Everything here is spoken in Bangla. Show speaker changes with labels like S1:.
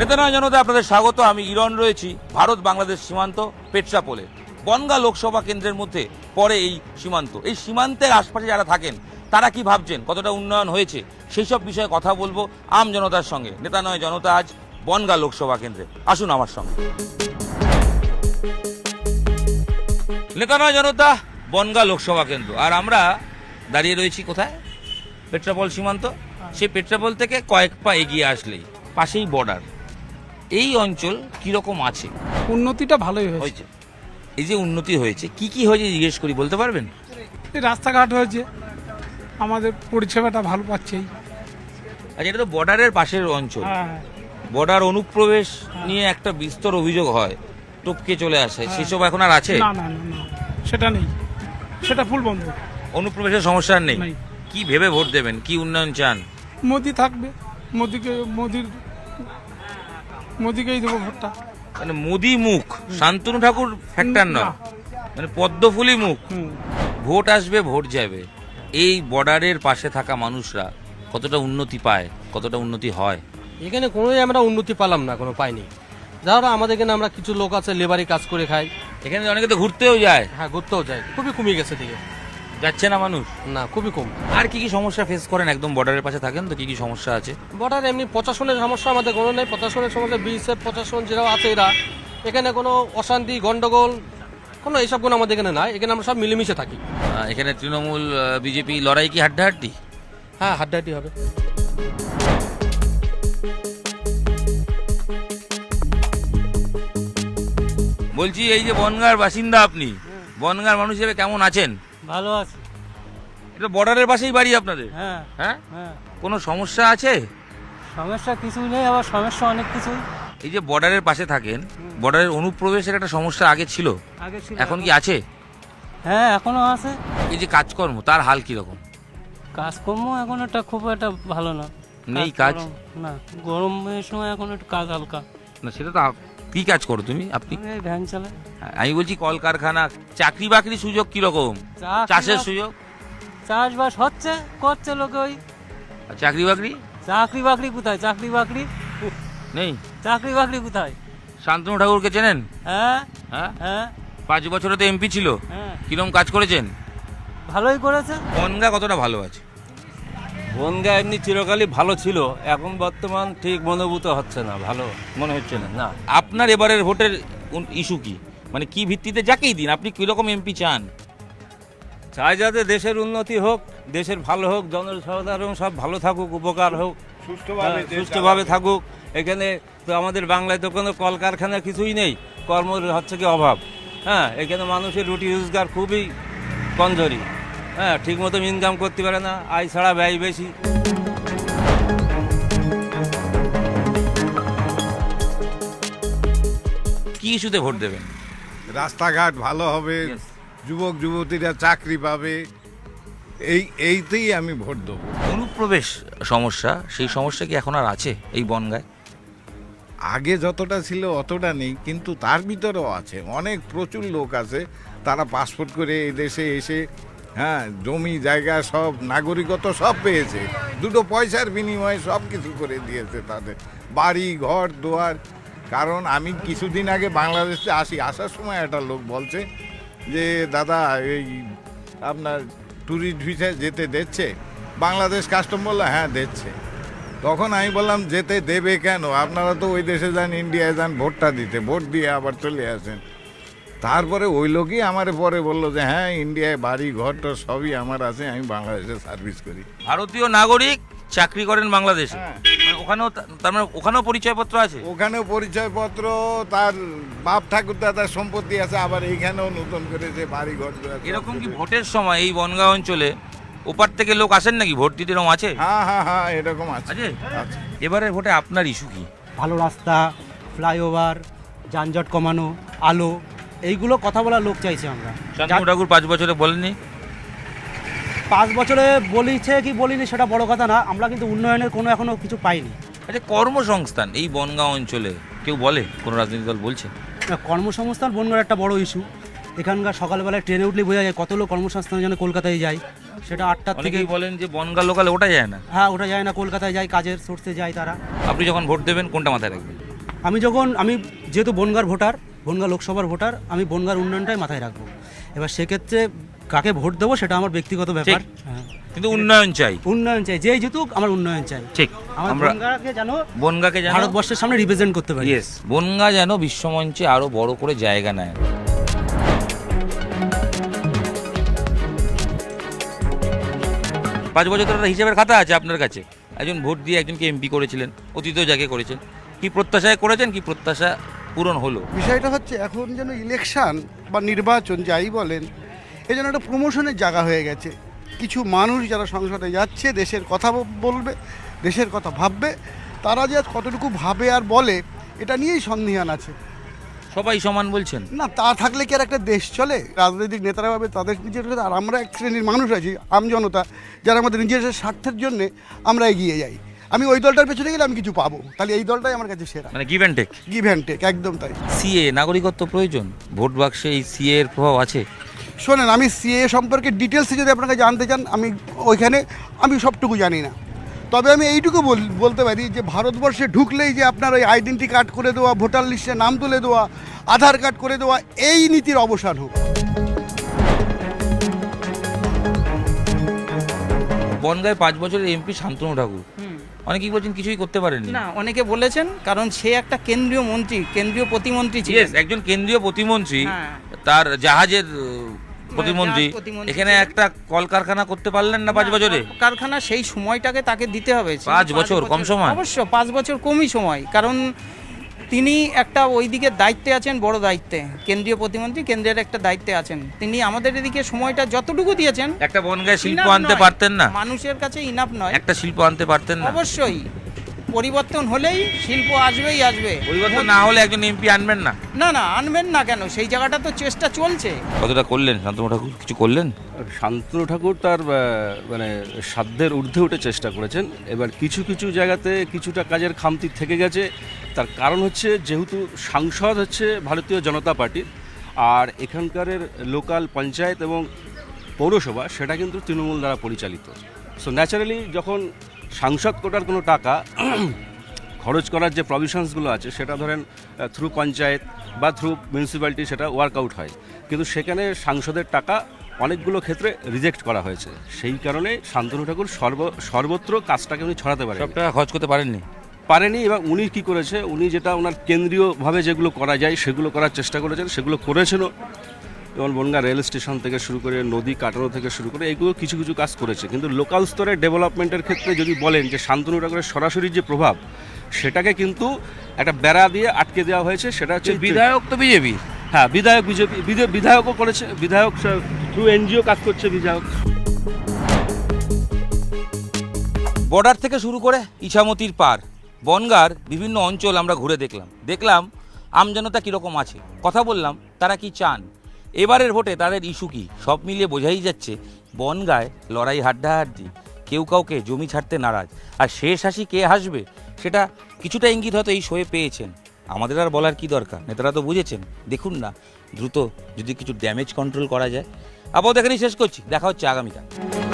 S1: নেতানয় জনতা আপনাদের স্বাগত। আমি ইরন রয়েছি ভারত বাংলাদেশ সীমান্ত পেট্রাপোলে। বনগাঁ লোকসভা কেন্দ্রের মধ্যে পড়ে এই সীমান্ত। এই সীমান্তের আশপাশে যারা থাকেন তারা কি ভাবছেন, কতটা উন্নয়ন হয়েছে, সেই সব বিষয়ে কথা বলবো আম জনতার সঙ্গে। নেতানয় জনতা আজ বনগাঁ লোকসভা কেন্দ্রে, আসুন আমার সঙ্গে। নেতানয় জনতা বনগাঁ লোকসভা কেন্দ্র, আর আমরা দাঁড়িয়ে রয়েছি কোথায়? পেট্রাপোল সীমান্ত। সেই পেট্রাপোল থেকে কয়েক পা এগিয়ে আসলেই পাশেই বর্ডার। এই অঞ্চল কিরকম আছে?
S2: উন্নতিটা ভালোই হয়েছে।
S1: এই যে উন্নতি হয়েছে, কি কি হয়েছে জিজ্ঞেস করি, বলতে পারবেন?
S2: এই রাস্তাঘাট হয়েছে, আমাদের পরিষেবাটা ভালো পাচ্ছেই।
S1: আচ্ছা, এটা তো বর্ডারের পাশের অঞ্চল।
S2: হ্যাঁ,
S1: বর্ডার অনুপ্রবেশ নিয়ে একটা বিস্তর অভিযোগ হয়, টপকে চলে আসে, সেসব এখন আর আছে?
S2: না না না না, সেটা নেই, সেটা ফুল বন্ধ।
S1: অনুপ্রবেশের সমস্যা আর নেই।
S2: নেই।
S1: কি ভেবে ভোট দেবেন, কি উন্নয়ন চান?
S2: মোদি থাকবে, মোদিকেই দেবো ভোটটা।
S1: মানে মোদি মুখ, শান্তনু ঠাকুর ফ্যাক্টর নয়,
S2: না।
S1: মানে পদ্মফুলি মুখ।
S2: হুম।
S1: ভোট আসবে, ভোট যাবে। এই বর্ডারের পাশে থাকা মানুষরা কতটা উন্নতি পায়, কতটা উন্নতি হয়?
S3: এখানে কোনোই আমরা উন্নতি পেলাম না, কোনো পাইনি। যারা আমাদের এখানে আমরা কিছু লোক আছে লেবারি কাজ করে খাই।
S1: এখানে অনেকে তো ঘুরতেও যায়।
S3: হ্যাঁ, ঘুরতেও যায়, খুবই কমে গেছে দিকে।
S1: যাচ্ছে না মানুষ?
S3: না, খুবই কম।
S1: আর কি কি সমস্যা ফেস করেন? একদম বর্ডারের পাশে থাকেন তো, কি কি সমস্যা আছে?
S3: বর্ডার এমনি প্রশাসনের সমস্যা আমাদের কোনো নেই। প্রশাসনের সমস্যা বিএসএফ প্রশাসন যারা আছে এরা, এখানে কোনো অশান্তি গন্ডগোল কোনো এইসব কোনো আমাদের এখানে নাই। এখানে আমরা সব মিলেমিশে থাকি।
S1: এখানে তৃণমূল বিজেপি লড়াই কি হাড্ডাহাড্ডি?
S3: হ্যাঁ, হাড্ডাহাড্ডি হবে।
S1: বলছি, এই যে বনগাঁর বাসিন্দা আপনি, বনগাঁর মানুষ হিসেবে কেমন আছেন?
S2: ভালো আছে।
S1: এটা বর্ডারের পাশেই বাড়ি আপনাদের?
S2: হ্যাঁ
S1: হ্যাঁ,
S2: হ্যাঁ,
S1: কোনো সমস্যা আছে?
S2: সমস্যা কিছুই নেই, আবার সমস্যা অনেক কিছুই।
S1: এই যে বর্ডারের পাশে থাকেন, বর্ডারের অনুপ্রবেশের একটা সমস্যা আগে ছিল,
S2: আগে ছিল,
S1: এখন কি আছে?
S2: হ্যাঁ এখনো আছে।
S1: এই যে কাজকর্ম, তার হাল কিরকম?
S2: কাজকর্ম এখন একটা খুব একটা ভালো না।
S1: নেই কাজ?
S2: না, গরমের সময় এখন একটু কাজ হালকা।
S1: না, সেটা তো কি কাজ করো তুমি, আপনি?
S2: এই ভ্যান চালায়।
S1: আমি বলছি কলকারখানা, চাকরি বাকরি সুযোগ কিরকম? চাষের সুযোগ?
S2: চাষবাস হচ্ছে, করছে লোকে। ওই
S1: আর চাকরি বাকরি
S2: চাকরি বাকরি কোথায়? চাকরি বাকরি
S1: নেই।
S2: চাকরি বাকরি কোথায়?
S1: শান্তনু ঠাকুরকে চেনেন?
S2: হ্যাঁ
S1: হ্যাঁ,
S2: হ্যাঁ
S1: 5 বছরে তো এমপি ছিল।
S2: হ্যাঁ,
S1: কিরম কাজ করেছেন?
S2: ভালোই করেছে।
S1: বনগাঁ কতটা ভালো আছে?
S4: বনগাঁ এমনি চিরকালই ভালো ছিল, এখন বর্তমান ঠিক মনোভূত হচ্ছে না, ভালো
S1: মনে হচ্ছে না।
S4: না।
S1: আপনার এবারের ভোটের ইস্যু কি, মানে কি ভিত্তিতে যাকেই দিন আপনি কিরকম এমপি চান?
S4: চাই যাতে দেশের উন্নতি হোক, দেশের ভালো হোক, জনসাধারণ সব ভালো থাকুক, উপকার হোক, সুষ্ঠুভাবে থাকুক। এখানে তো আমাদের বাংলায় তো কোনো কলকারখানা কিছুই নেই, কর্মের হচ্ছে কি অভাব। হ্যাঁ, এখানে মানুষের রুটি রোজগার খুবই কমজোরি। হ্যাঁ, ঠিক মতো ইনকাম করতে পারে না, আয় ছাড়া ব্যয় বেশি।
S1: কি ইস্যুতে ভোট দেবেন?
S5: রাস্তাঘাট ভালো হবে, যুবক যুবতীরা চাকরি পাবে, এইতেই আমি ভোট দেবো।
S1: অনুপ্রবেশ সমস্যা, সেই সমস্যা কি এখন আর আছে এই বনগাঁয়?
S5: আগে যতটা ছিল অতটা নেই, কিন্তু তার ভিতরেও আছে। অনেক প্রচুর লোক আছে, তারা পাসপোর্ট করে এই দেশে এসে হ্যাঁ জমি জায়গা সব নাগরিকত্ব সব পেয়েছে, দুটো পয়সার বিনিময়ে সব কিছু করে দিয়েছে তাদের, বাড়ি ঘর দুয়ার। কারণ আমি কিছুদিন আগে বাংলাদেশে আসার সময় একটা লোক বলছে যে দাদা এই আপনার ট্যুরিস্ট ভিসা যেতে দিচ্ছে? বাংলাদেশ কাস্টম বললো হ্যাঁ দিচ্ছে। তখন আমি বললাম যেতে দেবে কেন, আপনারা তো ওই দেশে যান, ইন্ডিয়ায় যান ভোটটা দিতে, ভোট দিয়ে আবার চলে আসেন। তারপরে ওই লোকই আমার পরে বললো যে হ্যাঁ ইন্ডিয়ায় বাড়ি ঘরটা সবই আমার আছে, আমি বাংলাদেশে সার্ভিস করি।
S1: ভারতীয় নাগরিক, চাকরি করেন বাংলাদেশে।
S5: হ্যাঁ।
S1: মানে ওখানেও তার মানে ওখানেও পরিচয়পত্র আছে?
S5: ওখানেও পরিচয়পত্র, তার বাপ ঠাকুর দাদার সম্পত্তি আছে, আবার এইখানেও নতুন করে যে বাড়ি ঘর দুয়ার সব
S1: এরকম কি
S5: কিছু।
S1: ভোটের সময় এই বনগাঁ অঞ্চলে ওপার থেকে লোক আসেন নাকি ভোট দিতে? এরকম আছে?
S5: হ্যাঁ হ্যাঁ হ্যাঁ, এরকম আছে।
S1: আছে?
S5: আছে।
S1: এবারের ভোটে আপনার ইস্যু কি?
S6: ভালো রাস্তা, ফ্লাইওভার, যানজট কমানো, আলো, এইগুলো কথা বলার লোক চাইছি আমরা।
S1: শান্তনু ঠাকুর 5 বছরে বলেননি?
S6: 5 বছরে বলিছে কি বলিনি সেটা বড় কথা না, আমরা কিন্তু উন্নয়নের কোনো এখনো কিছু পাইনি।
S1: আচ্ছা, কর্মসংস্থান এই বনগাঁ অঞ্চলে কেউ বলে, কোনো রাজনৈতিক দল বলছে?
S6: না, কর্মসংস্থান বনগাঁর একটা বড় ইস্যু। এখানকার সকালবেলায় ট্রেনে উঠলেই বোঝা যায় কত লোক কর্মসংস্থানের জন্য কলকাতায় যায়। সেটা 8টার থেকে।
S1: অনেকেই বলেন যে বনগাঁ লোকালে ওটা যায় না।
S6: হ্যাঁ, ওটা যায় না, কলকাতায় যায়, কাজের সোর্সে যায় তারা।
S1: আপনি যখন ভোট দেবেন কোনটা মাথায় রাখবেন?
S6: আমি যেহেতু বনগাঁর ভোটার, বনগাঁ লোকসভার ভোটার, আমি বনগাঁর উন্নয়নটাই মাথায় রাখবো। এবার সেক্ষেত্রে কাকে ভোট দেবো সেটা আমার ব্যক্তিগত ব্যাপার। হ্যাঁ,
S1: কিন্তু উন্নয়ন চাই।
S6: উন্নয়ন চাই, যেই জিতুক আমার উন্নয়ন চাই।
S1: ঠিক,
S6: আমার
S1: আমরা
S6: বনগাঁকে
S1: যেন
S6: ভারতবর্ষের সামনে রিপ্রেজেন্ট করতে পারি।
S1: ইয়েস, বনগাঁ যেন বিশ্বমঞ্চে আরো বড় করে জায়গা নেয়। 5 বছর ধরে একটা হিসেবের খাতা আছে আপনার কাছে। একজন ভোট দিয়ে একজনকে এমপি করেছিলেন, অতীতেও যাকে করেছেন, কি প্রত্যাশায় করেছেন, কি প্রত্যাশা পূরণ হলো?
S7: বিষয়টা হচ্ছে এখন যেন ইলেকশন বা নির্বাচন যাই বলেন, এই যেন একটা প্রমোশনের জায়গা হয়ে গেছে। কিছু মানুষ যারা সংসদে যাচ্ছে, দেশের কথা বলবে, দেশের কথা ভাববে, তারা যে আজ কতটুকু ভাবে আর বলে এটা নিয়েই সন্দিহান আছে।
S1: সবাই সমান বলছেন
S7: না, তা থাকলে কি আর একটা দেশ চলে? রাজনৈতিক নেতারা ভাবে তাদের নিজের, আর আমরা এক শ্রেণীর মানুষ আছি, আমজনতা, যারা আমাদের নিজের স্বার্থের জন্য আমরা এগিয়ে যাই। আমি ওই দলটার পেছনে গেলে আমি কিছু পাবো, তাহলে এই দলটাই আমার কাছে সেরা।
S1: মানে give and take.
S7: Give and take, একদম তাই।
S1: সিএ নাগরিকত্ব প্রয়োজন, ভোট বাক্সে এই সিএ এর প্রভাব আছে?
S7: শোনেন, আমি সিএ সম্পর্কে ডিটেলসে যদি আপনাকে জানতে চান, আমি সবটুকু জানি না। তবে আমি এইটুকু বলতে পারি যে ভারতবর্ষে ঢুকলেই যে আপনার ওই আইডেন্টি কার্ড করে দেওয়া, ভোটার লিস্টে নাম তুলে দেওয়া, আধার কার্ড করে দেওয়া, এই নীতির অবসান হোক।
S1: বনগাঁয় 5 বছরের এমপি শান্তনু ঠাকুর, অনেকেই বলছেন কিছুই করতে পারেননি।
S8: না, অনেকে বলেছেন, কারণ সে একটা কেন্দ্রীয় মন্ত্রী, কেন্দ্রীয় প্রতিমন্ত্রী ছিলেন।
S1: Yes, একজন কেন্দ্রীয় প্রতিমন্ত্রী,
S8: হ্যাঁ।
S1: তার জাহাজের প্রতিমন্ত্রী,
S8: জাহাজ প্রতিমন্ত্রী
S1: এখানে
S8: ছিলেন।
S1: একটা কলকারখানা করতে পারলেন না 5 বছরে?
S8: কারখানা সেই সময়টাকে তাকে দিতে হবে।
S1: 5 বছর কম সময়?
S8: অবশ্য 5 বছর কমই সময়, কারণ তিনি একটা ওই দিকের দায়িত্বে আছেন, বড় দায়িত্বে, কেন্দ্রীয় প্রতিমন্ত্রী, কেন্দ্রের একটা দায়িত্বে আছেন তিনি। আমাদের এদিকে সময়টা যতটুকু দিয়েছেন,
S1: একটা বনগাঁয় শিল্প
S8: enough
S1: আনতে
S8: নয়।
S1: পারতেন না?
S8: মানুষের কাছে ইনাফ নয়।
S1: একটা শিল্প আনতে পারতেন না?
S8: অবশ্যই পরিবর্তন হলেই শিল্প আসবেই আসবে।
S1: পরিবর্তন না হলে একজন এমপি আনবেন না?
S8: না না, আনবেন না কেন? সেই জায়গাটা তো চেষ্টা চলছে।
S1: কতটা করলেন শান্তনু ঠাকুর? কিছু করলেন?
S9: শান্তনু ঠাকুর তার মানে সাধ্যের ঊর্ধ্বে উঠে চেষ্টা করেছেন। এবার কিছু কিছু জায়গাতে কিছুটা কাজের খামতি থেকে গেছে। তার কারণ হচ্ছে, যেহেতু সাংসদ হচ্ছে ভারতীয় জনতা পার্টির, আর এখানকারের লোকাল পঞ্চায়েত এবং পৌরসভা সেটা কিন্তু তৃণমূল দ্বারা পরিচালিত। সো ন্যাচারালি যখন সাংসদ কোটার কোনো টাকা খরচ করার যে প্রভিশনসগুলো আছে, সেটা ধরেন থ্রু পঞ্চায়েত বা থ্রু মিউনিসিপ্যালিটি সেটা ওয়ার্কআউট হয়, কিন্তু সেখানে সাংসদের টাকা অনেকগুলো ক্ষেত্রে রিজেক্ট করা হয়েছে। সেই কারণে শান্তনু ঠাকুর সর্বত্র কাজটাকে উনি ছড়াতে পারেন,
S1: সব টাকা খরচ করতে পারেননি।
S9: এবং উনি কি করেছে, উনি যেটা ওনার কেন্দ্রীয়ভাবে যেগুলো করা যায় সেগুলো করার চেষ্টা করেছেন, সেগুলো করেছেনও। যেমন বনগাঁ রেল স্টেশন থেকে শুরু করে, নদী কাটানো থেকে শুরু করে, এইগুলো কিছু কিছু কাজ করেছে। কিন্তু লোকাল স্তরে ডেভেলপমেন্টের ক্ষেত্রে যদি বলেন যে শান্তনু ঠাকুরের সরাসরি যে প্রভাব, সেটাকে কিন্তু একটা বেড়া দিয়ে আটকে দেওয়া হয়েছে। সেটা হচ্ছে
S1: বিধায়ক তো বিজেপি।
S9: হ্যাঁ, বিধায়ক বিজেপি, বিধায়কও করেছে, বিধায়ক থ্রু এনজিও কাজ করছে বিধায়ক।
S1: বর্ডার থেকে শুরু করে ইছামতির পার বনগাঁর বিভিন্ন অঞ্চল আমরা ঘুরে দেখলাম আমজনতা কীরকম আছে, কথা বললাম তারা কি চান, এবারের ভোটে তাদের ইস্যু কী। সব মিলিয়ে বোঝাই যাচ্ছে বনগাঁয় লড়াই হাড্ডাহাড্ডি, কেউ কাউকে জমি ছাড়তে নারাজ, আর শেষ হাসি কে হাসবে সেটা কিছুটা ইঙ্গিত হয়তো এই শোয়ে পেয়েছেন। আমাদের আর বলার কি দরকার, নেতারা তো বুঝেছেন। দেখুন না দ্রুত যদি কিছু ড্যামেজ কন্ট্রোল করা যায়। আপাতত এখানেই শেষ করছি, দেখা হচ্ছে আগামীকাল।